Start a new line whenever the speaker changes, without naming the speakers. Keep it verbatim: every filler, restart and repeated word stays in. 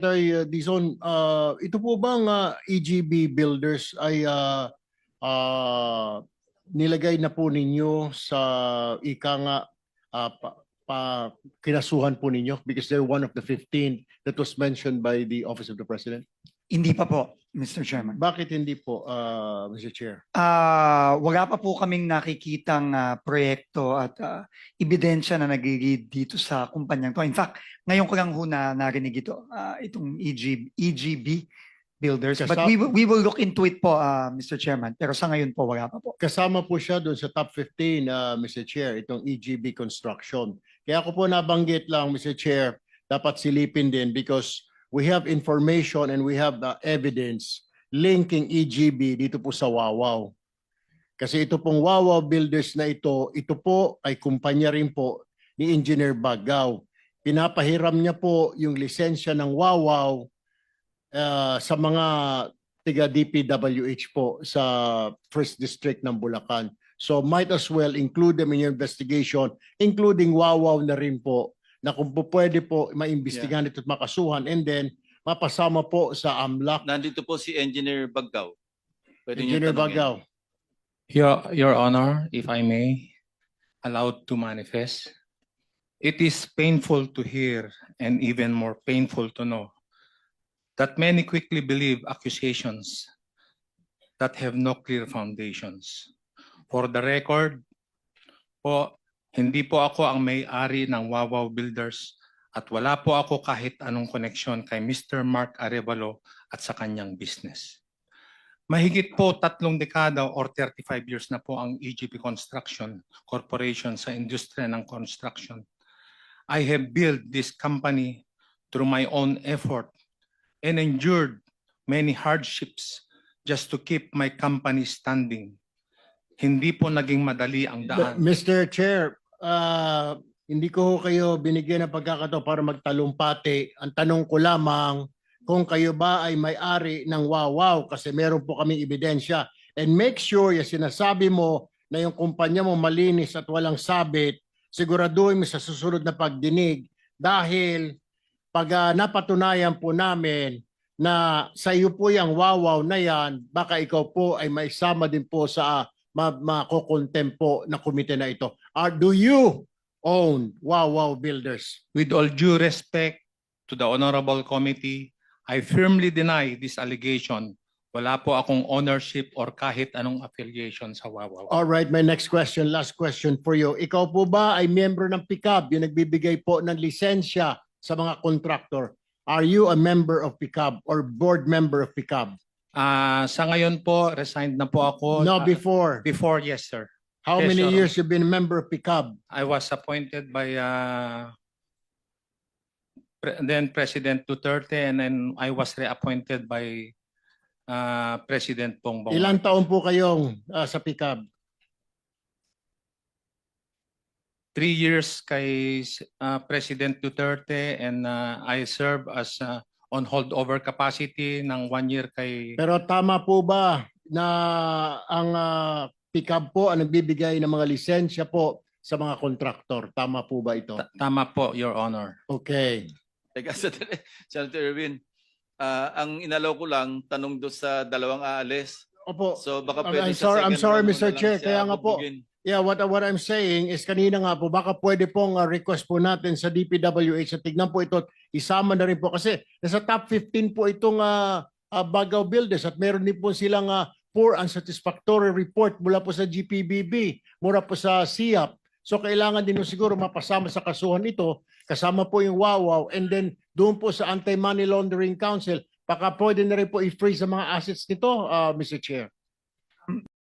Secretary uh, Dizon, uh, ito po bang uh, E G B Builders ay uh, uh, nilagay na po ninyo sa ika nga uh, pa, pa, kinasuhan po ninyo because they're one of the fifteen that was mentioned by the Office of the President?
Hindi pa po, Mister Chairman.
Bakit hindi po, uh, Mister Chair?
Ah, wala pa po kaming nakikitang ah, proyekto at ah, ebidensya na nagigid dito sa kumpanyang to. In fact, ngayon ko lang ho na narinig ito, ah, itong E G, E G B Builders. But
Kasama-
we, will- we will look into it po, ah, Mister Chairman. Pero sa ngayon po, wala pa po.
Kasama po siya doon sa top fifteen, uh, Mister Chair, itong E G B Construction. Kaya ako po nabanggit lang, Mister Chair, dapat silipin din because we have information and we have the evidence linking E G B dito po sa Wawaw. Kasi ito pong Wawaw Builders na ito, ito po ay kumpanya rin po ni Engineer Bagaw. Pinapahiram niya po yung lisensya ng Wawaw uh, sa mga tiga D P W H po sa First District ng Bulacan. So might as well include them in your investigation, including Wawaw na rin po, na kung po pwede po maimbestigahan ito at makasuhan and then mapasama po sa AMLAC.
Nandito po si Engineer Baggaw. Pwede niyo
Engineer
tanungin.
Bagaw.
Your, Your Honor, if I may, allowed to manifest. It is painful to hear and even more painful to know that many quickly believe accusations that have no clear foundations. For the record, po, hindi po ako ang may-ari ng Wawaw Builders at wala po ako kahit anong koneksyon kay Mister Mark Arevalo at sa kanyang business. Mahigit po tatlong dekada or thirty-five years na po ang E G P Construction Corporation sa industriya ng construction. I have built this company through my own effort and endured many hardships just to keep my company standing. Hindi po naging madali ang daan.
Mister Chair, uh, hindi ko kayo binigyan ng pagkakataon para magtalumpati. Ang tanong ko lamang kung kayo ba ay may-ari ng Wawaw kasi meron po kaming ebidensya. And make sure yung sinasabi mo na yung kumpanya mo malinis at walang sabit, siguraduhin mo sa susunod na pagdinig dahil pag uh, napatunayan po namin na sa iyo po yung Wawaw na yan, baka ikaw po ay maisama din po sa uh, makokontem po na komite na ito. Are, do you own Wawaw Builders?
With all due respect to the Honorable Committee, I firmly deny this allegation. Wala po akong ownership or kahit anong affiliation sa Wawaw.
All right, my next question, last question for you. Ikaw po ba ay miyembro ng P C A B, yung nagbibigay po ng lisensya sa mga contractor? Are you a member of P C A B or board member of P C A B?
Ah, sa ngayon po, resigned na po ako.
No,
Ah,
before.
before, yes, sir.
How
Yes,
many
Your
years you been a member of P C A B?
I was appointed by uh, Pre- then President Duterte and then I was reappointed by uh, President Bongbong.
Ilang taon po kayong uh, sa P C A B?
Three years kay uh, President Duterte and uh, I serve as uh, on holdover capacity ng one year kay...
Pero tama po ba na ang uh, P C A B po ang nagbibigay ng mga lisensya po sa mga kontraktor? Tama po ba ito?
Ta- Tama po, Your Honor.
Okay.
Teka, Senator Senator Erwin, ah, ang inalaw ko lang, tanong doon sa dalawang aalis.
Opo.
So baka
I'm-
pwede
I'm
sa
sorry- I'm
second
sorry,
round mo
Mister
na lang
Chair,
siya
kaya nga po,
bubugin.
Yeah, what what I'm saying is kanina nga po baka pwede pong uh, request po natin sa D P W H at tignan po ito, isama na rin po kasi nasa top fifteen po itong uh, uh, Bagaw Builders at meron din po silang uh, poor unsatisfactory report mula po sa G P B B, mula po sa S I A P. So kailangan din po siguro mapasama sa kasuhan ito, kasama po yung Wawaw and then doon po sa Anti-Money Laundering Council, baka pwede na rin po i-freeze sa mga assets nito, uh, Mister Chair.